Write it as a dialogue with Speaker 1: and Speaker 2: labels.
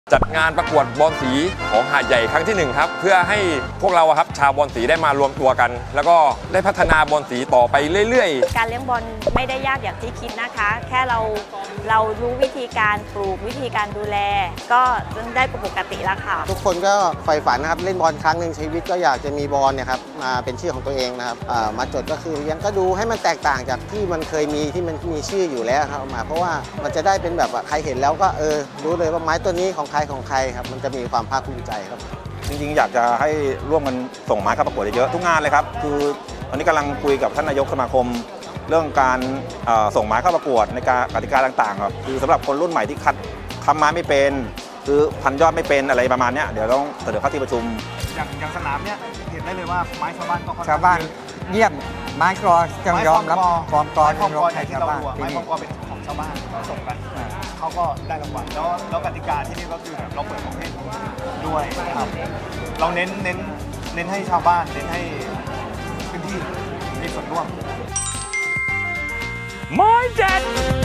Speaker 1: จัดงานประกวดบอลสีของหาดใหญ่ครั้งที่1ครับเพื่อให้พวกเราครับชาวบอลสีได้มารวมตัวกัน แล้วก็ได้พัฒนาบอลสีต่อไปเรื่อยๆ
Speaker 2: การเลี้ยงบอลไม่ได้ยากอย่างที่คิดนะคะแค่เรารู้วิธีการปลูกวิธีการดูแลก็ได้ปกติแล้วค่ะ
Speaker 3: ทุกคนก็ใฝ่ฝันนะครับเล่นบอลครั้งหนึ่งชีวิตก็อยากจะมีบอลเนี่ยครับมาเป็นชื่อของตัวเองนะครับมาจดก็คือเลี้ยงก็ดูให้มันแตกต่างจากที่มันเคยมีที่มันมีชื่ออยู่แล้วครับมาเพราะว่ามันจะได้เป็นแบบใครเห็นแล้วก็รู้เลยว่าไม้ตัวนี้ของใครครับมันจะมีความภาคภูมิใจครับ
Speaker 4: จริงๆอยากจะให้ร่วมกันส่งไม้เข้าประกวดเยอะๆทุกงานเลยครับคือตอนนี้กำลังคุยกับท่านนายกสมาคมเรื่องการส่งไม้เข้าประกวดในการกติกาต่างๆครับคือสำหรับคนรุ่นใหม่ที่ทำไม้ไม่เป็นคือพันยอดไม่เป็นอะไรประมาณนี้เดี๋ยวต้องเสนอเข้าที่ประชุม
Speaker 5: อย่างสนามเนี้ยเห็นได้เลยว่าไม้ชาวบ้านก็
Speaker 6: ชาวบ้านเยี่ยมไม้กรอจังยอมรับความกรอที่เราให้ชาวบ้าน
Speaker 5: ไม้ความกรเป็นของชาวบ้านเราส่งกันเขาก็ได้รางวัลแล้วกติกาที่นี่ก็คือแบบเราเปิดประเภทด้วยครับเราเน้นให้ชาวบ้านเน้นให้พื้นที่มีส่วนร่วม
Speaker 1: ไม้เด็ด